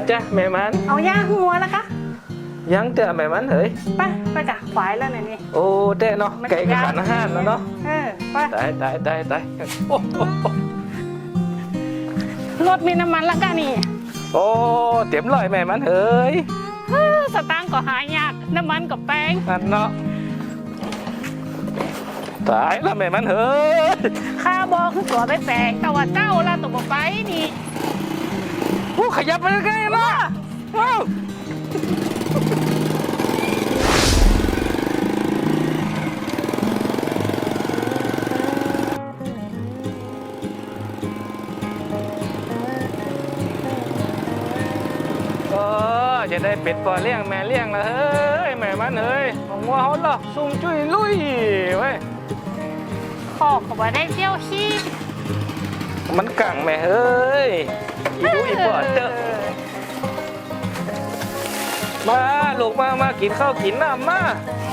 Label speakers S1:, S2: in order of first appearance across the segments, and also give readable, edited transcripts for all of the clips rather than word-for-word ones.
S1: จ้ะแม่มัน
S2: เอาย่างหัวแล้วคะ
S1: ยังเตะแม่มันเฮ้ย
S2: ไปกะขวายแล้วนี่
S1: โอ้เตะเนาะไก่กระขันอาหารแล้วเนาะ
S2: ไป
S1: ตาย
S2: รถมีน้ำมันแล้วกันนี่
S1: โอ้เต็มร้อยแม่มันเฮ้ย
S2: สตางค์ก็หายากน้ำมันกับแป้ง
S1: นั่นเนาะตายแล้วแม่มันเฮ้ย
S2: ข้าบอกคือก่อได้แปลงแต่ว่าเจ้าละตกบ่ไปนี่
S1: ผู้ขยับไปใกล้ๆมาว้าวจะได้เป็ดปอเลี้ยงแม่เลี้ยงละเฮ้ยแม่มันเฮ้ยของวัวเขาหรอซุ่มจุ้ยลุยเว้ย
S2: ขอก็บ่ได้เที่ยวขี้
S1: มันกังแม่เฮ้ยอีดูอีปอดเจอมาลูกมากินข้าวกินน้ำมา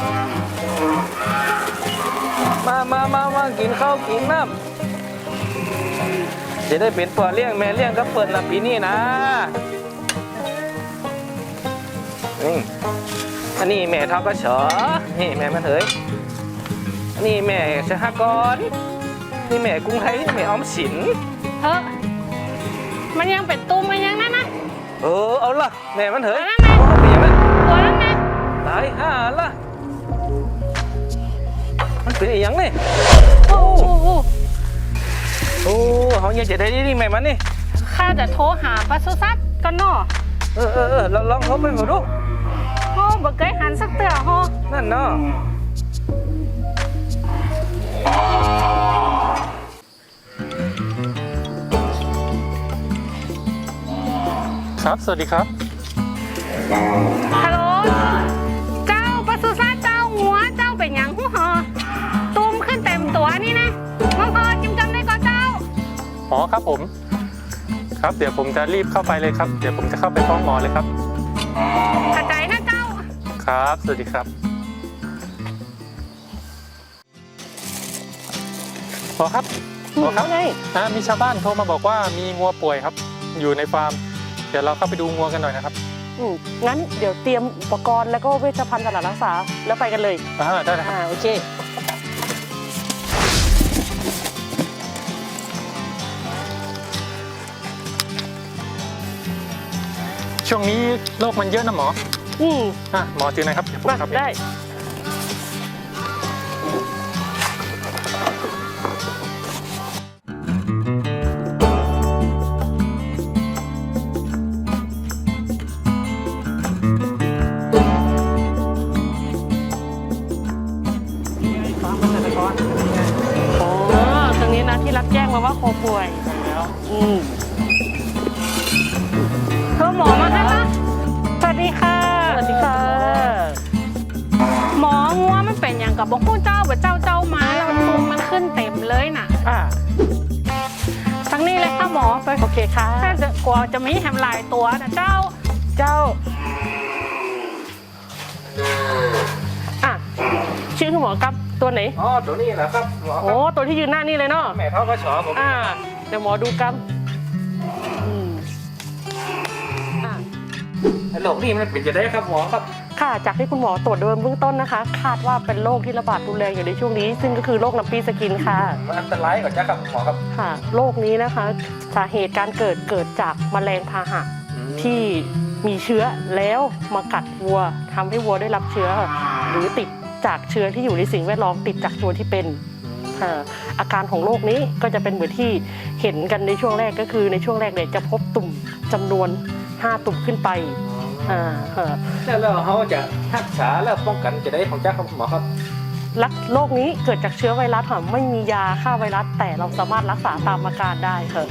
S1: กินข้าวกินน้ำจะได้เป็ดปอเลี้ยงแม่เลี้ยงก็เปิดละปีนี้นะอันนี้แม่ทกส.นี่แม่มันเถยอันนี้แม่สหกรณ์นี่แม่กรุงไทยแม่ออมสิน
S2: มันยังเป็นตุ้มมันยังนั่นนะ
S1: เอาละแม่มันเถย
S2: ตัวนั้นไง
S1: ตายห่าละมันเป็นอย่างนี่
S2: โอ้
S1: เขาเนี่ยจะได้ดีแม่มันนี่
S2: ข้าจะโทรหาปศุสัตว์ก่อนเนาะ
S1: ลองโทรไปก่อนดู
S2: บ่เคยหันสักเตือ
S1: นั่นเนาะครับสวัสดีครับ
S2: ฮัลโหลเจ้าปศุสัตว์เจ้าหัวเจ้าเป็นหยังหูหอตุ้มขึ้นเต็มตัวนี่นะน้องพอจำได้ก่อนเจ้า
S3: อ๋อครับผมครับเดี๋ยวผมจะรีบเข้าไปเลยครับเดี๋ยวผมจะเข้าไปฟ้องหมอเลยครับ
S2: ขอบใจนะเจ้า
S3: ครับสวัสดีครับหมอครับมีชาวบ้านโทรมาบอกว่ามีงัวป่วยครับอยู่ในฟาร์มเดี๋ยวเราเข้าไปดูงัวกันหน่อยนะครับ
S4: งั้นเดี๋ยวเตรียมอุปกรณ์แล้วก็เวชภัณฑ์สำหรับรักษาแล้วไปกันเลย
S3: ได้เลยครับ
S4: โอเค
S3: ช่วงนี้โรคมันเยอะนะหมอหมอจือไหนครับ
S4: ได้ตรงนี้นะที่รับแจ้งมาว่าโคป่วย
S2: เธอหมอมาให้ปะสวัสดีค่ะหมองัวมันเป็นอย่างกับบอกคู่เจ้าแบบเจ้ามาแล้วมันตุ่มมันขึ้นเต็มเลยน่ะทั้งนี้เลยค่ะหมอไป
S4: โอเคค่ะ
S2: ถ้าจะกลัวจะมีแฮมลายตัวนะเจ้า
S4: ชื่อคุณหมอครับตัวไหน
S1: ตัวนี้แหละครับหมอ
S4: ตัวที่ยืนหน้านี่เลยเนาะ
S1: แม่ทกส.ผม
S4: เดี๋ยวหมอดูกัน
S1: โรคนี้มันเป็นจะได้ครับหมอครับ
S4: ค่ะจากที่คุณหมอตรวจโดยเบื้องต้นนะคะคาดว่าเป็นโรคที่ระบาดรุนแรงอยู่ในช่วงนี้ซึ่งก็คือโรคน้ำปีสกินค่ะ
S1: มันอันตรายกว่าจ้าครับหมอครับ
S4: ค่ะโรคนี้นะคะสาเหตุการเกิดจากแมลงพาหะที่มีเชื้อแล้วมากัดวัวทำให้วัวได้รับเชื้อหรือติดจากเชื้อที่อยู่ในสิ่งแวดล้อมติดจากตัวที่เป็นอาการของโรคนี้ก็จะเป็นเหมือนที่เห็นกันในช่วงแรกก็คือในช่วงแรกเนี่ยจะพบตุ่มจำนวน5 ตุ่มขึ้นไป
S1: แล้วเขาจะรักษาแล้วป้องกันจะได้ของจ้าครับหมอครับ
S4: โรคนี้เกิดจากเชื้อไวรัสค่ะไม่มียาฆ่าไวรัสแต่เราสามารถรักษาตามอาการได้ค่ะ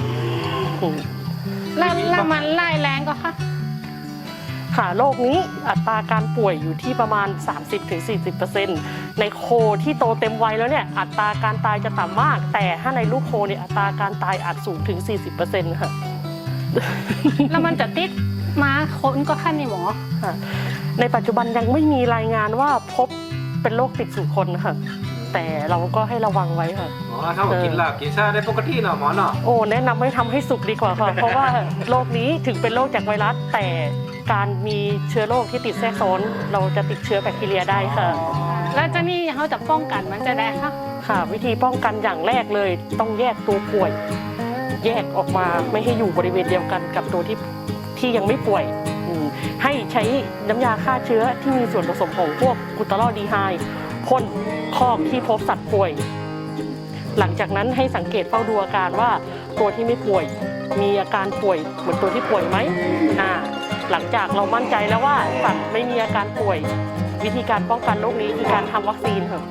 S2: แล้วมันไล่แรงก็
S4: ค่ะโรคนี้อัตราการป่วยอยู่ที่ประมาณ 30-40% ในโคที่โตเต็มวัยแล้วเนี่ยอัตราการตายจะต่ำมากแต่ถ้าในลูกโคเนี่ยอัตราการตายอาจสูงถึง 40% ค่ะ
S2: แล้วมันจะติดมาคนก็ขั้นในหมอ
S4: ในปัจจุบันยังไม่มีรายงานว่าพบเป็นโรคติดสู่คนค่ะแต่เราก็ให้ระวังไว้ค่ะ
S1: อ๋อถ้าบอกกินลาบกินชาได้ปกติเนาะหมอเนาะ
S4: โอ้แนะนำให้ทำให้สุกดีกว่าค่ะ เพราะว่าโรคนี้ถึงเป็นโรคจากไวรัส แต่การมีเชื้อโรคที่ติดแทรกซ้อนเราจะติดเชื้อแบคทีเรียได้ค่ะ
S2: แล้วเจะนี่เขาจะป้องกันมันจะได้ค่ะ
S4: ค่ะ วิธีป้องกันอย่างแรกเลยต้องแยกตัวป่วย แยกออกมาไม่ให้อยู่บริเวณเดียวกันกับตัวที่ยังไม่ป่วยให้ใช้น้ำยาฆ่าเชื้อที่มีส่วนผสมของพวกกลูตาลอดีไฮด์พ่นคอกที่พบสัตว์ป่วย หลังจากนั้นให้สังเกตเฝ้าดูอาการว่าตัวที่ไม่ป่วยมีอาการป่วยเหมือนตัวที่ป่วยไหมหลังจากเรามั่นใจแล้วว่าสัตว์ไม่มีอาการป่วย วิธีการป้องกันโรคนี้คือการทำวัคซีนค่ะ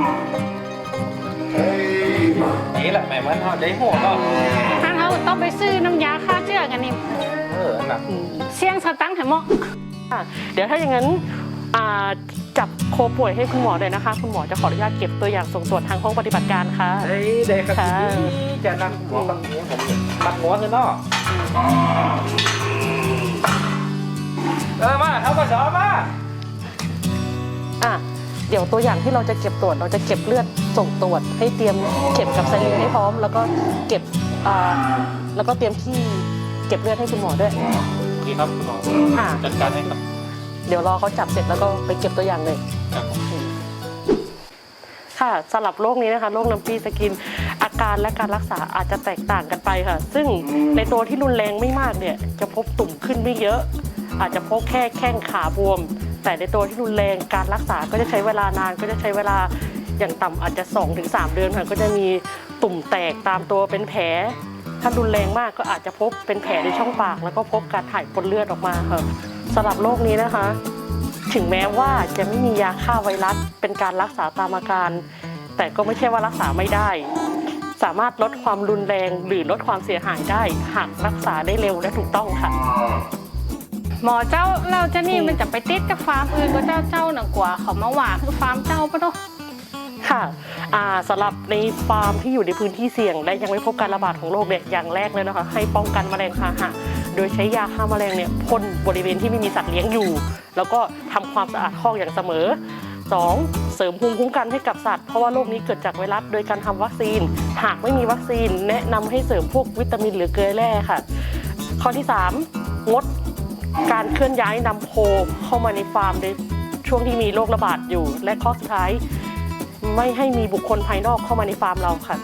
S1: นี่แหละแม่มันเขาได้หัวเนาะ
S2: ท่านเขาต้องไปซื้อน้ำยาฆ่าเชื้อกันนี่
S1: หนัก
S2: เสี่ยงสตังค์ให้เหมาะ
S4: เดี๋ยวถ้าอย่างนั้นจับโคป่วยให้คุณหมอเลยนะคะ คุณหมอจะขออนุญาตเก็บตัวอย่างส่งตรวจทางห้องปฏิบัติการค่ะ
S1: เฮ้ยเด็กครับ
S4: ค่ะ
S1: จะนั่งหัวกับหัวผมมัดหัวคือเนาะมาเขาก็สอนมา
S4: เดี๋ยวตัวอย่างที่เราจะเก็บตรวจเราจะเก็บเลือดส่งตรวจให้เตรียมเก็บกับไซลินให้พร้อม แล้วก็เก็บแล้วก็เตรียมที่เก็บเลือดให้คุณหมอด้วย
S3: ดีครับคุณหมอ
S4: ค่ะ
S3: จัดการให้ครับ
S4: เดี๋ยวรอเขาจับเสร็จแล้วก็ไปเก็บตัวอย่างเลย
S3: ครับผม
S4: ค่ะสำหรับโรคนี้นะคะโรคน้ำปีสกินอาการและการรักษาอาจจะแตกต่างกันไปค่ะ ซึ่งในตัวที่รุนแรงไม่มากเนี่ยจะพบตุ่มขึ้นไม่เยอะ อาจจะพบแค่แข้งขาบวม แต่ในตัวที่รุนแรงการรักษาก็จะใช้เวลานานก็จะใช้เวลาอย่างต่ำอาจจะ 2-3 เดือนค่ะก็จะมีตุ่มแตกตามตัวเป็นแผลถ้ารุนแรงมากก็อาจจะพบเป็นแผลในช่องปากแล้วก็พบการถ่ายปนเลือดออกมาค่ะสำหรับโรคนี้นะคะ ถึงแม้ว่าจะไม่มียาฆ่าไวรัสเป็นการรักษาตามอาการ แต่ก็ไม่ใช่ว่ารักษาไม่ได้ สามารถลดความรุนแรงหรือลดความเสียหายได้หากรักษาได้เร็วและถูกต้องค่ะ
S2: หมอเจ้าเราจะนี่มันจะไปติดกับฟาร์มอื่นก็เจ้าหนักกว่าเขามาว่าคือฟาร์มเจ้าปะเนาะ
S4: ค่ะสำหรับในฟาร์มที่อยู่ในพื้นที่เสี่ยงและยังไม่พบการระบาดของโรคเนี่ยอย่างแรกเลยนะคะให้ป้องกันแมลงพาหะโดยใช้ยาฆ่าแมลงเนี่ยพ่นบริเวณที่ไม่มีสัตว์เลี้ยงอยู่ แล้วก็ทำความสะอาดคอกอย่างเสมอ 2. เสริมภูมิคุ้มกันให้กับสัตว์เพราะว่าโรคนี้เกิดจากไวรัสโดยการทำวัคซีนหากไม่มีวัคซีนแนะนำให้เสริมพวกวิตามินหรือเกลือแร่ค่ะข้อที่ 3. งดการเคลื่อนย้ายนำโคเข้ามาในฟาร์มในช่วงที่มีโรคระบาดอยู่และข้อสุดท้ายไม่ให้มีบุคคลภายนอกเข้ามาในฟาร์มเราค่ะ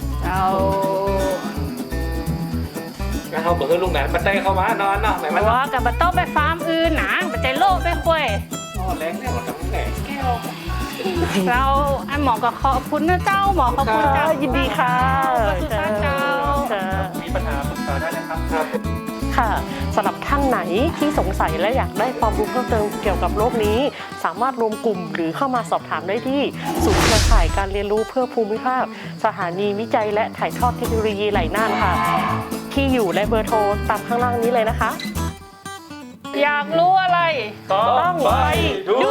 S1: แล้วเขาบอกให้ลุงไหนมาเต้เข้ามานอนเนาะไหนมัน
S2: ว่ากับมาโต้ไปฟาร์มอื่นนะมันใจโลกไปคุย
S1: แรงเนี่ยหมดทั้งแหล่แก้ว
S2: เราไอ้หมอก็ขอบคุณนะเจ้าหมอขอบคุณเจ้า
S4: ยินดีค่ะ
S2: สุดท้ายเจ้า
S3: มีปัญหาปรึกษาได้นะครับ
S4: ค่ะสำหรับท่านไหนที่สงสัยและอยากได้ความรู้เพิ่มเติมเกี่ยวกับโรคนี้ สามารถรวมกลุ่มหรือเข้ามาสอบถามได้ที่ศูนย์เครือข่ายการเรียนรู้เพื่อภูมิภาคสถานีวิจัยและถ่ายทอดเทคโนโลยีไหหลน่านค่ะ ที่อยู่และเบอร์โทรตามข้างล่างนี้เลยนะคะ
S2: อยากรู้อะไร
S4: ต้องไปดู